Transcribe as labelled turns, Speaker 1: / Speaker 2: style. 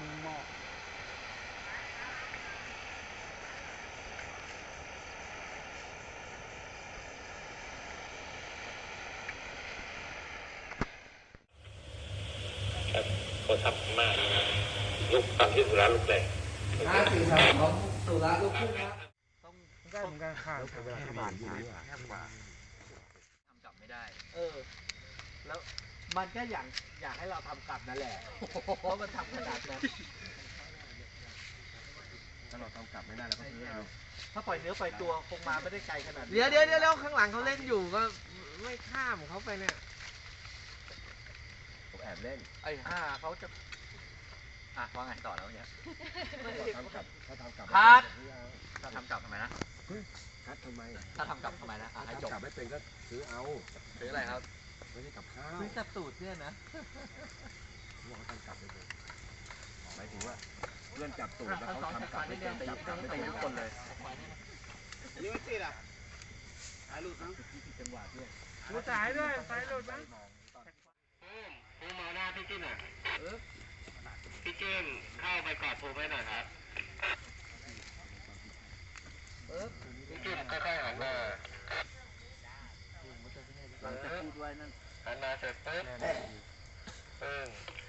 Speaker 1: มีหมอก
Speaker 2: เขาทำมากลูกตัดที่สุราลูกแรก
Speaker 3: 53ของสุราลูกพุ่งครับ
Speaker 1: ต้องได้เหมือนกันค่ะเวลาที่บ้านอยู่นี่แคบกว่า
Speaker 3: ทำกลับไม่ได้แล้วมันก็อยากให้เราทำกลับนั่นแหละเพราะมันทำขนาดนั้น
Speaker 1: ถ้าเราทำกลับไม่ได้เราก็ซื้อเอา
Speaker 3: ถ้าปล่อยเนื้อปล่อยตัวคงมาไม่ได้ไกลขนาดนี้
Speaker 4: เดี๋ยวข้างหลังเขาเล่นอยู่ก็ไม่ข้ามเขาไปเนี่ย
Speaker 1: ผมแอบเล่น
Speaker 3: ไอ้ห่าเขาจะว่าไงต่อแล้วเนี่ย
Speaker 1: ทำกลับถ้าทำกลับ
Speaker 3: คัดถ้าทำกลับทำไมนะ
Speaker 1: คัดทำไม
Speaker 3: ถ้าทำกลับทำไมนะให้จบ
Speaker 1: กลับไม่เป็นก็ซื้อเอา
Speaker 3: ซื้ออะไรครับ
Speaker 1: ไม่ใช่กับข้าว
Speaker 3: ซื้อจับตูดเนี่ยนะ
Speaker 1: ว่าเขาทำกลับไม่เป็นหมายถึงว่าเพื่อนจับตูดแล้วเขาทำกลับไม่เป็นจับกลับไม่เป็นทุกคนเลย
Speaker 2: นี่ไม่ติดอ่ะถ่ายรูปนะ
Speaker 1: จังหวะเนี่ย
Speaker 4: ดูสายด้วยสายหลุดมั้ง
Speaker 2: ภูมิมาหน้าพี่จิ้นอ่ะพี่จิ้นเข้าไปกอดภูมิไว้หน่อยครับพี่จิ้นค่อยๆหันมา
Speaker 3: หลังจากพูดไว้นั่น
Speaker 2: หันมาเสร็จปุ๊บ